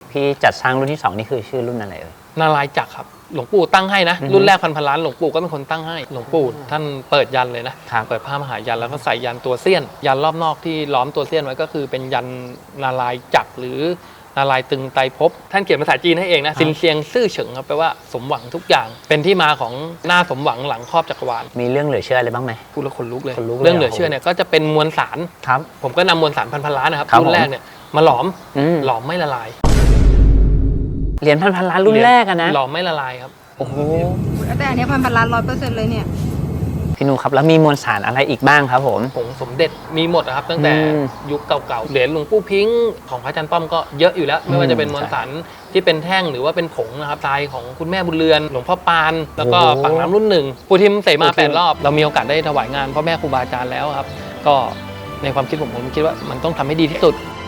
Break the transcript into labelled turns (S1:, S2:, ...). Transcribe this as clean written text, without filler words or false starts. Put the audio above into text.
S1: พี่จัดสร้างรุ่นที่2นี่คือชื่อรุ่นอะไรเอ่ย
S2: นารายณ์จักรครับหลวงปู่ตั้งให้นะรุ่นแรกพันล้านหลวงปู่ก็เป็นคนตั้งให้หลวงปู่ท่านเปิดยันเลยนะเปิดผ้ามหายันแล้วก็ใส่ยันตัวเสี้ยนยันรอบนอกที่ล้อมตัวเสี้ยนไว้ก็คือเป็นยันนารายณ์จักรหรือนารายณ์ตึงไตรภพท่านเขียนภาษาจีนให้เองนะซินเซียงซื่อเฉิงครับแปลว่าสมหวังทุกอย่างเป็นที่มาของหน้าสมหวังหลังครอบจักรวาล
S1: มีเรื่องเหลือเชื่ออะไรบ้างไหม
S2: พูดแล้วขนลุกเลยเรื่องเหลือเชื่อเนี่ยก็จะเป็นมวลสาร
S1: ครับ
S2: ผมก็นำมวลสารพันล้านนะครับรุ่นแรกเนี่ยมาหลอมไม่ละลาย
S1: เหรียญพันล้านรุ่นแรกอะนะ
S2: หลอมไม่ละลายครับ
S1: โอ้โห
S3: แต่อันนี้พันล้าน100%เลยเนี่ย
S1: พี่นุครับแล้วมีมวลสารอะไรอีกบ้างครับผม
S2: ผงสมเด็จมีหมดนะครับตั้งแต่ยุคเก่าๆเหรียญหลวงปู่พิงค์ของพระอาจารย์ป้อมก็เยอะอยู่แล้วไม่ว่าจะเป็นมวลสารที่เป็นแท่งหรือว่าเป็นผงนะครับทรายของคุณแม่บุญเรือนหลวงพ่อปานแล้วก็ปากน้ำรุ่นหนึ่งปู่ทิมเสมา8 รอบเรามีโอกาสได้ถวายงานพ่อแม่ครูบาอาจารย์แล้วครับก็ในความคิดผมคิดว่ามันต้องทำให้ดีที่สุด